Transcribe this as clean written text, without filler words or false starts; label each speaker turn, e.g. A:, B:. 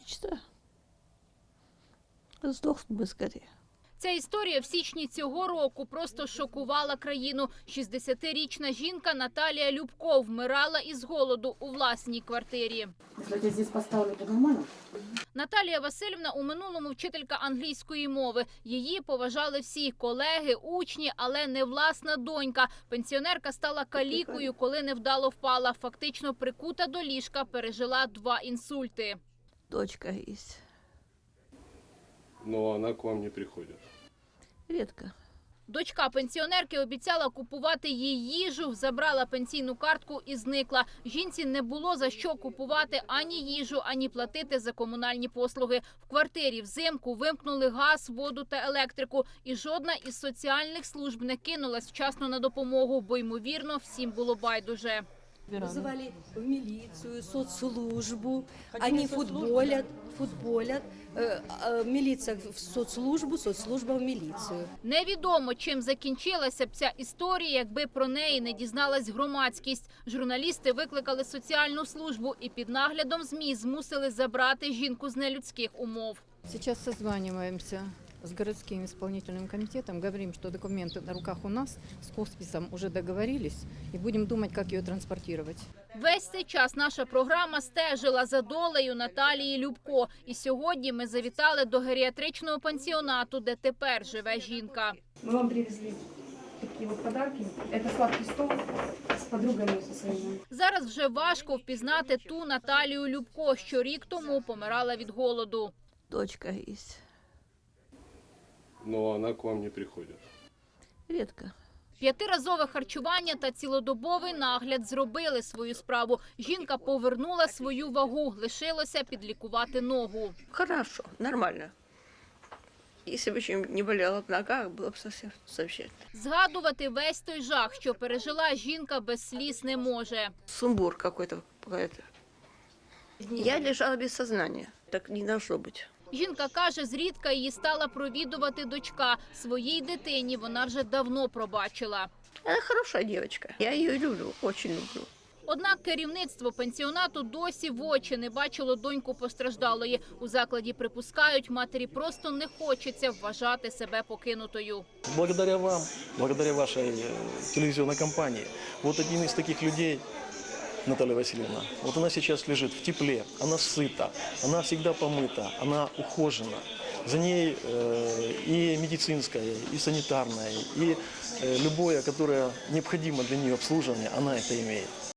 A: мечта. Сдохнуть бы скорее.
B: Ця історія в січні цього року просто шокувала країну. 60-річна жінка Наталія Любко вмирала із голоду у власній квартирі.
C: Если тебя здесь поставили, то нормально?
B: Наталія Васильівна у минулому вчителька англійської мови. Її поважали всі – колеги, учні, але не власна донька. Пенсіонерка стала калікою, коли невдало впала. Фактично прикута до ліжка, пережила 2 інсульти.
A: Дочка есть.
D: Но она к вам не приходит.
A: Редко.
B: Дочка пенсіонерки обіцяла купувати їй їжу, забрала пенсійну картку і зникла. Жінці не було за що купувати ані їжу, ані платити за комунальні послуги. В квартирі взимку вимкнули газ, воду та електрику. І жодна із соціальних служб не кинулась вчасно на допомогу, бо, ймовірно, всім було байдуже.
E: Вызывали в милицию, соцслужбу. Они футболят. Милиция в соцслужбу, соцслужба в милицию.
B: Невідомо, чим закінчилася б ця історія, якби про неї не дізналась громадськість. Журналісти викликали соціальну службу і під наглядом ЗМІ змусили забрати жінку з нелюдських умов.
F: Сейчас созваниваемся с городским исполнительным комитетом, говорим, что документы на руках у нас, с хосписом уже договорились, и будем думать, как ее транспортировать.
B: Весь цей час наша програма стежила за долею Наталії Любко. І сьогодні ми завітали до геріатричного пансіонату, де тепер живе жінка.
C: Мы вам привезли такие вот подарки. Это сладкий стол с подругами со своими.
B: Зараз вже важко впізнати ту Наталію Любко, що рік тому помирала від голоду.
A: Дочка есть.
D: Но она к вам не приходит.
A: Редко.
B: 5-разове харчування та цілодобовий нагляд зробили свою справу. Жінка повернула свою вагу, лишилося підлікувати ногу.
G: Хорошо, нормально. Если бы еще не болела в ногах, было бы совсем замечательно.
B: Згадувати весь той жах, що пережила жінка, без сліз не може.
G: Сумбур какой-то. Я лежала без сознания. Так не должно быть.
B: Жінка каже, зрідка її стала провідувати дочка. Своїй дитині вона вже давно пробачила.
G: Она хорошая девочка. Я ее люблю, очень люблю.
B: Однак керівництво пенсіонату досі в очі не бачило доньку постраждалої. У закладі припускають, матері просто не хочеться вважати себе покинутою.
H: Благодаря вам, благодаря вашей телевизионной компании, вот один из таких людей, Наталья Васильевна, вот она сейчас лежит в тепле, она сыта, она всегда помыта, она ухожена. За ней и медицинское, и санитарное, и любое, которое необходимо для нее обслуживание, она это имеет.